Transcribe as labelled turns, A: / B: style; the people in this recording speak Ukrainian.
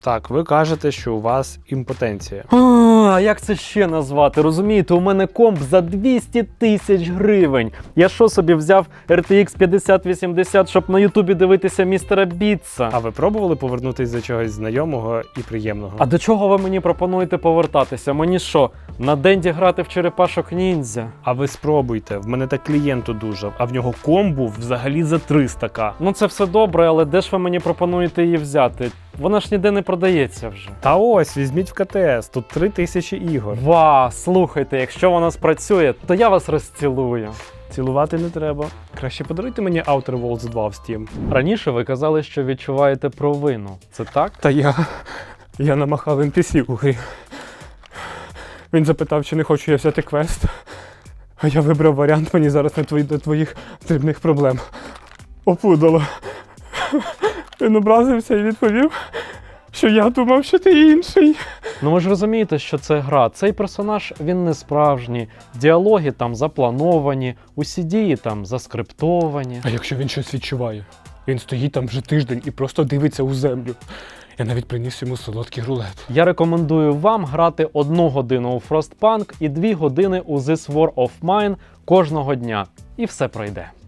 A: Так, ви кажете, що у вас імпотенція.
B: А як це ще назвати? Розумієте, у мене комп за 200 тисяч гривень. Я що собі взяв RTX 5080, щоб на Ютубі дивитися містера Бітса?
A: А ви пробували повернутися до чогось знайомого і приємного?
B: А до чого ви мені пропонуєте повертатися? Мені що, на Денді грати в черепашок ніндзя?
A: А ви спробуйте, в мене так клієнт одужав, а в нього комп був взагалі за 300к.
B: Ну це все добре, але де ж ви мені пропонуєте її взяти? Вона ж ніде не продається вже.
A: Та ось, візьміть в КТС, тут 3000 ігор.
B: Слухайте, якщо вона спрацює, то я вас розцілую.
A: Цілувати не треба. Краще подаруйте мені Outer Worlds 2 в Steam.
B: Раніше ви казали, що відчуваєте провину. Це так?
A: Та я намахав NPC у грі. Він запитав, чи не хочу я взяти квест. А я вибрав варіант, мені зараз не до твоїх дрібних проблем. Опудало. Він образився і відповів, що я думав, що ти інший.
B: Ну ви ж розумієте, що це гра. Цей персонаж, він не справжній. Діалоги там заплановані, усі дії там заскриптовані.
A: А якщо він щось відчуває? Він стоїть там вже тиждень і просто дивиться у землю. Я навіть приніс йому солодкий рулет.
B: Я рекомендую вам грати 1 годину у Frostpunk і 2 години у This War of Mine кожного дня. І все пройде.